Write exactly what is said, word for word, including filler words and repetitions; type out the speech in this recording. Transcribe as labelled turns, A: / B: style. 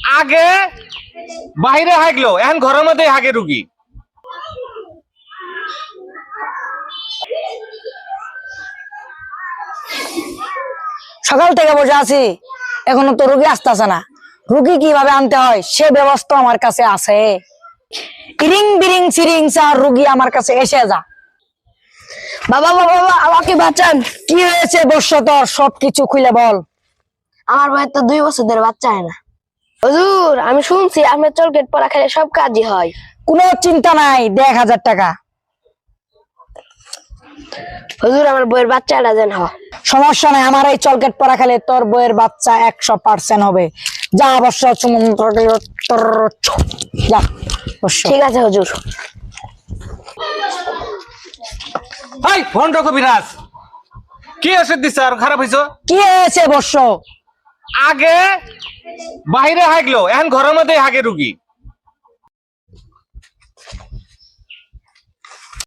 A: আগে বাইরে হাগলো, এখন ঘরের মধ্যে হাগে রুগী।
B: সকাল থেকে বসে আছি, এখনো তো রুগী আসতেছে না। রুগী কিভাবে আনতে হয় সে ব্যবস্থা আমার কাছে আছে। ইরিং বিরিং সিরিং স্যার, রুগী আমার কাছে এসে যা। বাবা বাবা বাবা, আমাকে বাঁচান। কি হয়েছে বর্ষ, তোর সবকিছু খুলে বল।
C: আমার ভাইয়ের তো দুই বছর ধরে বাচ্চা হয় না। হুজুর, আমি শুনছি আপনার চলকেট পড়া খেলে সব কাজই হয়।
B: কোনো চিন্তা নাই, দেড় হাজার টাকা।
C: হুজুর, আমার বইয়ের বাচ্চাটা যেন হয়।
B: সমস্যা নাই, আমার এই চলকেট পরা খেলে তোর বইয়ের বাচ্চা একশো পার্সেন্ট হবে। যা অবশ্য যা।
C: ঠিক আছে হুজুর।
A: হাই ফোন রাখো বিরাজ, কি ওষুধ দিচ্ছে আর খারাপ হয়েছ?
B: কি হয়েছে বর্ষ?
A: আগে বাইরে হাগলো, এখন ঘরের মধ্যে হাগে রুগী।